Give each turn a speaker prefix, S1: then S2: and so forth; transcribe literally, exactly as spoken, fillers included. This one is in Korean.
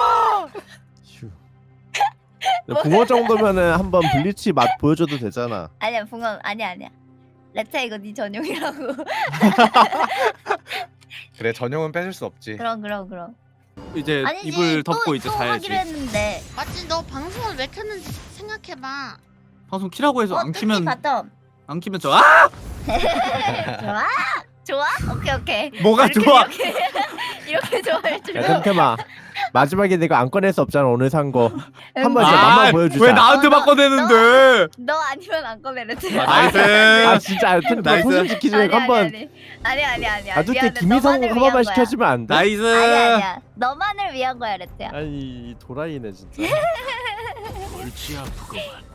S1: 휴. 붕어 정도면은 한번 블리치 맛 보여줘도 되잖아.
S2: 아니야 붕어 아니야 아니야. 레트야 이거 네 전용이라고.
S3: 그래 전용은 뺏을 수 없지.
S2: 그럼 그럼 그럼.
S4: 이제
S2: 아니지
S4: 이불
S2: 또,
S4: 덮고 이제
S2: 또
S4: 자야지.
S2: 하기로 했는데.
S5: 맞지? 너 방송을 왜 켰는지 생각해봐.
S4: 방송 키라고 해서
S2: 어
S4: 안
S2: 뚜띠
S4: 키면
S2: 바텀.
S4: 안 키면 저 아!
S2: 좋아? 좋아? 오케이 오케이.
S4: 뭐가
S2: 이렇게,
S4: 좋아?
S2: 이렇게, 이렇게 좋아할 줄.
S1: 야 템템아 마지막에 내가 안 꺼낼 수 없잖아 오늘 산 거. 한번 이제
S4: 아,
S1: 맛만 보여주자.
S4: 왜 나한테
S2: 어, 너-
S4: 바꿔내는데?
S2: 너 아니면 안 꺼내 레트야.
S4: 아, 나이스.
S1: 아 진짜 템템
S4: 나이스.
S1: 소신 지키지 말고 한번
S2: 아니 아니 아니 아니.
S1: 아주 때
S2: 미안해.
S1: 김희성
S2: 너만을
S1: 한
S2: 위한
S1: 번만
S2: 거야.
S1: 시켜주면 안 돼?
S4: 나이스.
S2: 아니야 아니야. 너만을 위한 거야 레트야.
S1: 아니 이 도라이네 진짜.
S6: 골치 아프구만.